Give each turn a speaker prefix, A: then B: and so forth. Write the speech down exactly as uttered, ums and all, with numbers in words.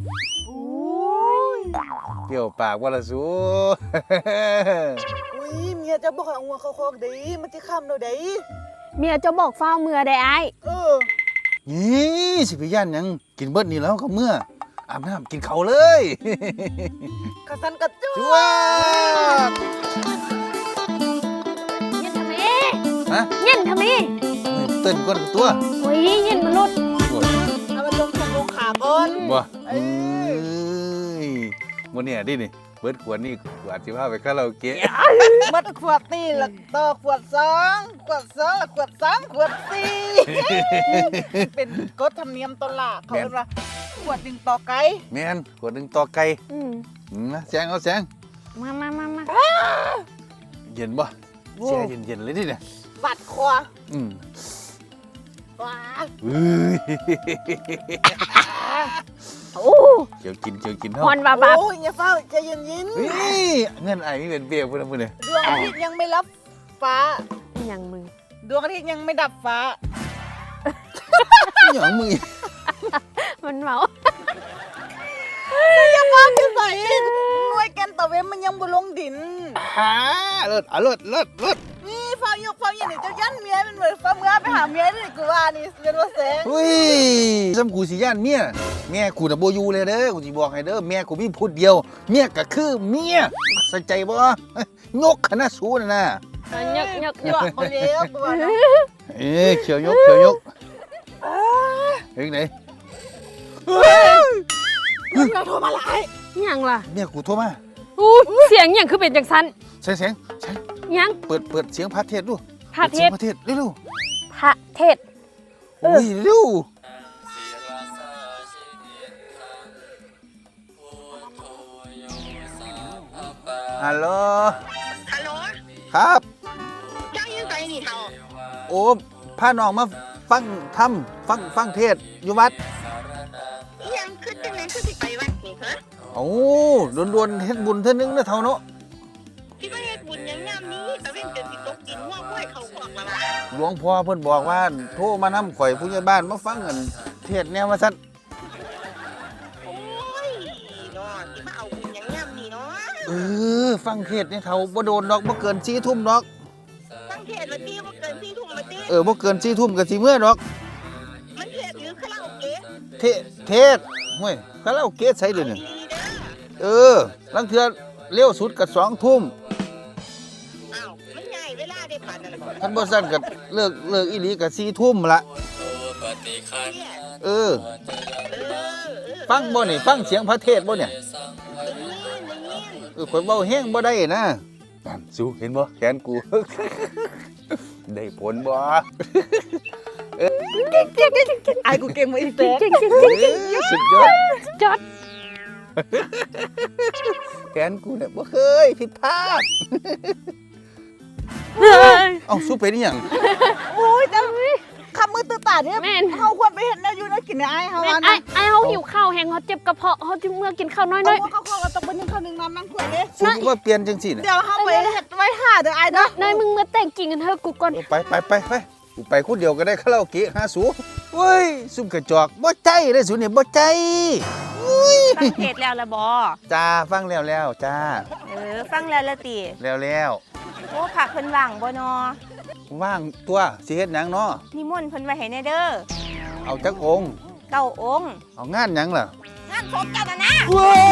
A: เกี่ยวปากว่าละสู
B: อุ้ยเมียจะบอกให้เอางัวเข้าคอกเด้มันจะค้ำเราเด้
C: เมียจะบอกเฝ้าเมื่อได้ไอ้
B: เออ
A: นี่สิไปย่านหยังกินเบิดนี่แล้วก็เมื่ออาบน้ำกินเขาวเลย
B: กระสันกระจุ
A: จ้วบ
C: เย็นทำไม
A: ฮะ
C: เย็นทำไม
A: เต้นก้นกับตัว
C: โอ้ยเย็นมันลด
A: โอ้ย
B: เอามาลงทงลงขาก่อน
A: บ่
B: เอ้
A: เอ้
B: ย
A: ยมื้อนี้ดินี่เบิดขวดนี่ขวดสิพาไปคาราโอเกะ
B: มัดขวดนี่แล้วต่อขวดสองขวดสองแล้วขวดสามขวดสี่ เป็นกฎธรรมเนียมตวละเขาเรียกว่าขวดหนึ่งต่อไก่
A: แม่นขวดหนึงต่อไก่
C: อืม
A: อืมนะแสงเอาแสง
C: มามามามา
A: เย็นบ่แช่เย็นๆเลยดิเนี่ย
B: บัดคอ
A: อืม
B: ว้า
A: เฮ้ย
C: โอ้
A: เกี่ยวกินเกี่ยวกินเฮา
C: ฮอนบาบา
B: โอ้ยอย่าเฝ้าใจเย็น
A: เฮ้ยเงินไอ้นี่เป็นเบี้ยพุ่นน่ะพุ่นเนี่ย
B: ๆดวงอาทิตย์ยังไม่รับฟ้า
C: อย่างมึง
B: ดวงอาทิตย์ยังไม่ดับฟ้า
A: หยังมึงอีก
C: มันเมา
B: อย่าฟ้าจะใส่หน่วยแกนตะเวนมันยังบ่ลงดิน
A: หาเลิศอ่ะเลิศเลิศเลิศ
B: นี่ฟ้ายกฟ้าอย่างนี้เจ้ายันเมียเป็นเหมือนฟ้าเมื่อไปหาเมียนี่กูว่านี่เป็นว่าแสง
A: เฮ้ยซ้ำกูสิย่านเมียแม่กูน่ะบ่อยู่เลยเด้อกูสิบอกให้เด้อแม่กูมีพูดเดียวเมียก็คือเมียสนใจบ่ยกคณะสูน่ะนะ
C: ยกยก
B: หยอกมาเลี้ยวตัวเนาะ
A: เอ้ยเขียวยกเขียวยกเฮ้ยไหน
B: เราโทรมาหลาย
C: ยังล่ะ
A: เมียกูโทรมา
C: อู้เสียงอย่างคือเป็นจังสัน
A: เสียงเสียงเสียง
C: ยัง
A: เปิดเปิดเสียงพระเทศดู
C: พระเทศ
A: ปิดสียงพระเทศเร็ว
C: พระเทศ
A: ๆโอ้ยเร็วฮัลโหล
D: ฮัลโหล
A: ครับ
D: ย่างยังไงนี่เท่า
A: โอ้พาน้องมาฟังธรรมฟังฟังเทศน์อยู่วัด
D: อีหยังขึ้นจังไหนขึ้นสิไปวัดนี่ฮะ
A: โอ้ดวนๆเฮ็ดบุญเท่านึงนะเท่าเนาะ
D: ที่ว่าเฮ็ดบุญหยังยามนี้ตะเว้นจนสิตกกินหัวกล้วยเขาขอกละล่ะ
A: หลวงพ่อเพิ่นบอกว่าโทรมานำข่อยผู้ใหญ่บ้านมาฟังกันเทศน์แนวว่าซั่น
D: โอ้ยเนาะสิมาเอาบุญหยังยามนี้เนาะ
A: เออฟังเทศน์นี่เท่าบ่โดนดอกบ่เกินสี่ทุ่มดอก
D: ตั้งเทศวันที่บ่เกินสี่ทุ่มมาติ
A: เออบ่เกินสี่ทุ่มก็สิเมื่อดอก
D: มันเทศหรือคาราโอเกะ
A: เทเทศห้วยคาราโอเกะใส่เด้อนี่
D: ดีเด้อ
A: เออลังเทื่อเร็วสุดก็สองทุ่ม
D: อ้าวมันใหญ่เวลาได้ปานนั้นล่ะ
A: คันบ่ซั่นก็เลิกเลิกอีหลีก็สี่ทุ่มละ
D: เนี่ย
A: เออ
D: เออเออ
A: ฟังบ่นี่ฟังเสียงพระเทศน์บ่เนี่ย
D: ได้ยินได้ยิน
A: เออข่อยเว้าแฮงบ่ได้นะนั่นสู้เห็นบ่แขนกู ได้ผลบ่
B: ไอ้กูเก่งมาอีกแต่
C: เก่งเก่ง
A: เอ้ยสุดยอด
C: จอด
A: แขนกูเนี่ยบ่เคยผิดพลาด
C: เฮ้ย
A: เอ้าสู้เป็นอีหยัง
B: โอ้ยแต่คำมือตื่นตาเนี่ย
C: แม่น
B: เฮาควรไปเห็นแนวอยู่นะกินในไอ้เฮา
C: แม่
B: อั
C: น
B: น
C: ไอ้
B: นั้น
C: ไอ้เขาหิวข้าวแหงเขาเจ็บกระเพาะเขาจึงเมื่อกินข้าวน้อย
B: เอา
C: น้อย
B: หัวเข้าคอกก็ต้องเป็นหนึ่งข้าวหนึ่งน้ำนั่งขวดเด้
A: สู้ว่าเปลี่ยนจังซี่น่ะ
B: เดี๋ยวเฮาไปเฮ็ดไว้ท่าเด้อไอ้เนาะ
C: นายมึงมาแต่งกิ่งกันเถอะกูก่อน
A: เออไปไปไปไปกูไปคนเดียวก็ได้คาราโอเกะหาสูเว้ยซุ่มกระจอกบ่ใจเด้อสูเนี่ยบ่ใจอุ้ย
E: ฟังเทศแล้วละบอ
A: จ้าฟังแล้วแล้วจ้า
E: เออ ฟังแล้วละติ
A: แล้วแล้ว
E: โอ้ผักเพิ่นว่างบ่นอ
A: ว่างตัวสิเฮ็ดหยังเนาะ
E: นิมนต์เพิ่นไว้ให้แน่เด้อ
A: เอาจักองค์
E: เก้าองค์
A: เอางานหยังล่ะ
E: งานศพเจ้าน่ะนะ
A: ว้า